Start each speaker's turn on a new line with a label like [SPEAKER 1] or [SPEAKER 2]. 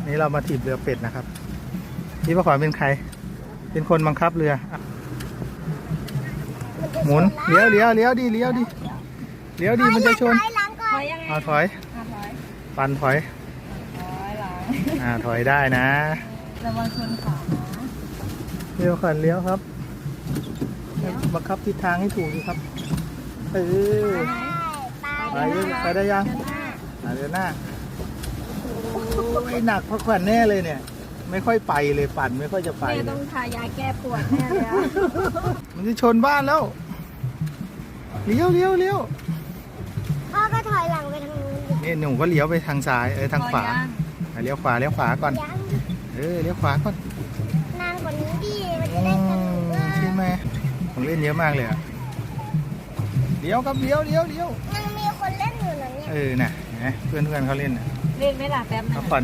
[SPEAKER 1] นี่เรามาถีบเรือเป็ดนะครับพี่ประขวัญเป็นใครเป็นคนบังคับเรือหมุนเลี้ยวดิเลี้ยวดิมันจะชน
[SPEAKER 2] ถอยยังไง
[SPEAKER 1] เอาถอย
[SPEAKER 2] ถอย
[SPEAKER 1] ปันถอย
[SPEAKER 2] หลัง
[SPEAKER 1] ถอยได้นะ
[SPEAKER 2] ระวังชนขานะ
[SPEAKER 1] เลี้ยวขันเลี้ยวครับบังคับทิศทางให้ถูกดีครับไปได้ยังเดินหน้าโอ้ยหนักพักผ่อนแน่เลยเนี่ยไม่ค่อยไปเลยปั่นไม่ค่อยจะไป
[SPEAKER 2] แม่
[SPEAKER 1] เล
[SPEAKER 2] ต้อย งทายาแก้ปวดแน่เลย
[SPEAKER 1] มันจะชนบ้านแล้วเลี้ยว
[SPEAKER 3] พ่อก็ถอยหลังไปทางนู้น
[SPEAKER 1] นี่หนูก็เลี้ยวไปทางซ้ายทางขวา เลี้ยวขวาก่อน
[SPEAKER 3] ยัง
[SPEAKER 1] เลี้ยวขวาก่อน
[SPEAKER 3] นานกว่านี้ดิมันจะได้สนุกว่า
[SPEAKER 1] ใช่ไหมของเล่นเยอะมากเลยอะเลี้ยวครับเลี้ยว
[SPEAKER 3] ยังมีคนเล่นอยู่นะเนี่ย
[SPEAKER 1] น่ะเห็นไหมเพื่อนเขาเล่นน่ะ
[SPEAKER 2] เล่นไหมล่ะแป๊บนึง
[SPEAKER 1] เขาขอ